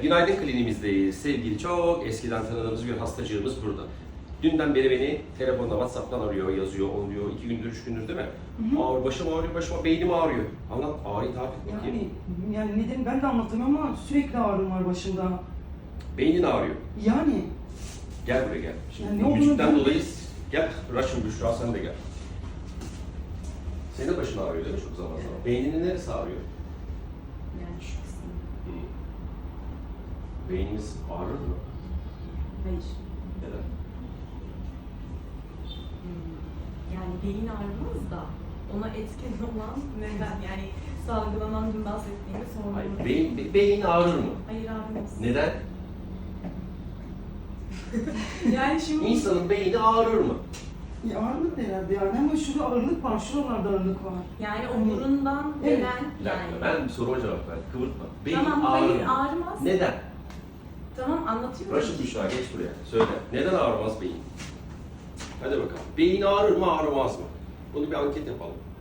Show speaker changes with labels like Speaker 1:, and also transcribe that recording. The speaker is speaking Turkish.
Speaker 1: Günaydın kliniğimizdeyiz. Sevgili çok eskiden tanıdığımız bir hastacığımız burada. Dünden beri beni telefonda, WhatsApp'tan arıyor, yazıyor, on diyor. 2 gündür, 3 gündür değil mi? Ağrı, başım ağrıyor, beynim ağrıyor. Anlat, ağrıyı tarif et bakayım.
Speaker 2: Yani nedeni ben de anlatamıyorum ama sürekli ağrım var başımda.
Speaker 1: Beynin ağrıyor.
Speaker 2: Yani
Speaker 1: Gel buraya gel. Şimdi
Speaker 2: Yani ne olduğunu
Speaker 1: müzikten
Speaker 2: ben-
Speaker 1: dolayı gel, Raşım Büşra sen de gel. Senin de başın ağrıyor değil mi çok zaman zaman?
Speaker 3: Evet.
Speaker 1: Beyninin neresi ağrıyor?
Speaker 3: Yani şu kısım.
Speaker 1: Beynimiz ağrır mı?
Speaker 3: Hayır.
Speaker 1: Neden?
Speaker 3: Yani beyin ağrımız da ona etken olan neden? Yani salgılanan dün bahsettiğimiz
Speaker 1: Hayır,
Speaker 3: hormonlar.
Speaker 1: beyin ağrır mı?
Speaker 3: Hayır ağrımız.
Speaker 1: Neden?
Speaker 3: Yani şimdi
Speaker 1: İnsanın beyni ağrır mı?
Speaker 2: ağırlık herhalde yani ama şurada ağırlık var, şuralarda ağırlık var.
Speaker 3: yani omurundan
Speaker 2: Evet.
Speaker 3: gelen
Speaker 1: Bir dakika,
Speaker 3: yani.
Speaker 1: ben bir soruma cevap ver. Kıvırtma. Beyin
Speaker 3: Tamam
Speaker 1: ağrır
Speaker 3: hayır
Speaker 1: mı?
Speaker 3: ağrımaz.
Speaker 1: Neden?
Speaker 3: Tamam anlatıyorum.
Speaker 1: Raşım Büşra geç buraya. Söyle. Neden ağrımaz beyin? Hadi bakalım. Beyin ağrır mı ağrımaz mı? Bunu bir anket yapalım.